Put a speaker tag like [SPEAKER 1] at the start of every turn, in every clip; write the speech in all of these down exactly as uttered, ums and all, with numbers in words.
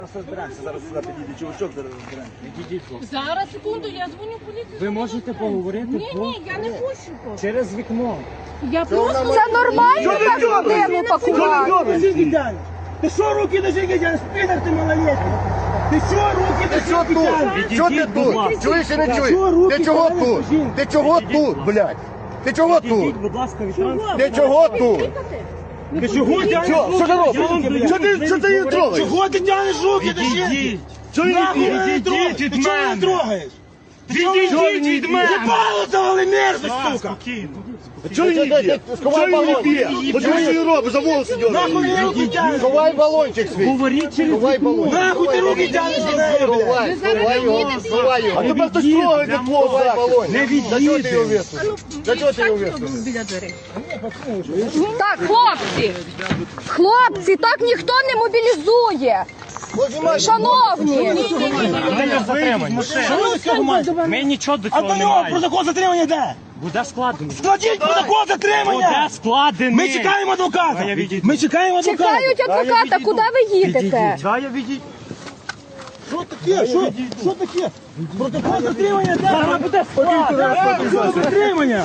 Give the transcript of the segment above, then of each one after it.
[SPEAKER 1] Розберемося, зараз сюди підійде чувачок, зараз розберемося.
[SPEAKER 2] Відійдіть, хлопці.
[SPEAKER 3] Зараз, секунду, я дзвоню в поліцію.
[SPEAKER 2] Ви можете поговорити?
[SPEAKER 3] Ні,
[SPEAKER 2] по-
[SPEAKER 3] ні, я не хочу просто.
[SPEAKER 2] Через вікно.
[SPEAKER 3] Я просто...
[SPEAKER 4] Це нормально так людину пакувати?
[SPEAKER 5] Ти що руки до жінки тянеш? Підар ти малолетний! Ти що руки до жінки тянеш?
[SPEAKER 6] Що ти тут? Чуєш чи не чуєш? Ти чого тут? Ти чого тут, блядь? Ти чого тут?
[SPEAKER 2] Відійдіть, будь ласка, від транспорту.
[SPEAKER 6] Ти чого тут?
[SPEAKER 5] Ти чого тянеш руки?
[SPEAKER 6] Що ти робиш? Що ти, що ти її трогаєш?
[SPEAKER 5] Чого ти тянеш руки до жінки?
[SPEAKER 2] Відійдіть.
[SPEAKER 5] Чого її
[SPEAKER 2] Відійдіть
[SPEAKER 5] трогаєш?
[SPEAKER 2] від
[SPEAKER 5] Ти чого її
[SPEAKER 2] мене.
[SPEAKER 5] трогаєш?
[SPEAKER 2] Відійдіть від мене.
[SPEAKER 5] Ебало завали мерзость, сука!
[SPEAKER 2] Спокійно.
[SPEAKER 6] Чого її б'є? Сховай балончик. От чого її робиш? За волоси
[SPEAKER 5] Нахуй
[SPEAKER 6] дьоргаєш.
[SPEAKER 5] ти руки тянеш?
[SPEAKER 6] Сховай балончик свій.
[SPEAKER 2] Говоріть через
[SPEAKER 6] Сховай
[SPEAKER 2] вікно.
[SPEAKER 6] балончик.
[SPEAKER 5] Нахуй ти руки тянеш до неї, блядь?
[SPEAKER 6] Сховай, сховай його, сховай його. А тепер хтось
[SPEAKER 2] відійдіть,
[SPEAKER 6] трогає
[SPEAKER 2] прямо
[SPEAKER 6] твого
[SPEAKER 2] сховай
[SPEAKER 6] балончик.
[SPEAKER 2] Не
[SPEAKER 6] За чого ти його
[SPEAKER 2] відійдіть.
[SPEAKER 6] висунув? За чого ти його висунув?
[SPEAKER 3] Біля дверей.
[SPEAKER 4] Так, хлопці, хлопці, так ніхто не мобілізує. Шановні,
[SPEAKER 2] Ми затримані.
[SPEAKER 5] Що ви з цього маєте?
[SPEAKER 2] Ми нічого до
[SPEAKER 5] А
[SPEAKER 2] цього
[SPEAKER 5] до
[SPEAKER 2] не
[SPEAKER 5] нього
[SPEAKER 2] маємо.
[SPEAKER 5] протокол затримання де?
[SPEAKER 2] Буде складено.
[SPEAKER 5] Складіть протокол затримання!
[SPEAKER 2] Буде складений.
[SPEAKER 5] Ми чекаємо адвоката!
[SPEAKER 2] А я відійду.
[SPEAKER 5] Ми чекаємо адвоката!
[SPEAKER 4] чекають адвоката, куди ви їдете?
[SPEAKER 2] Да, я відійду.
[SPEAKER 5] Що таке? Що, що таке? Протокол затримання де? Зараз буде протокол затримання!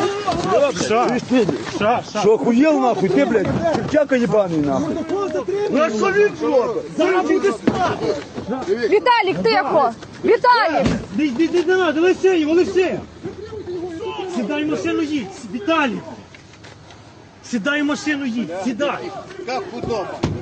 [SPEAKER 1] Що, охуєл нахуй, ти, блядь, чертяка єбаний нахуй.
[SPEAKER 5] Протокол затримання!
[SPEAKER 6] Ну а що він робить?
[SPEAKER 5] Зараз буде справа!
[SPEAKER 4] Віталік, тихо! Віталік!
[SPEAKER 2] Не треба, Олексій, Олексій. Сідай в машину, їдь. Віталій. Сідай в машину, їдь. Сідай.
[SPEAKER 6] Як худоба.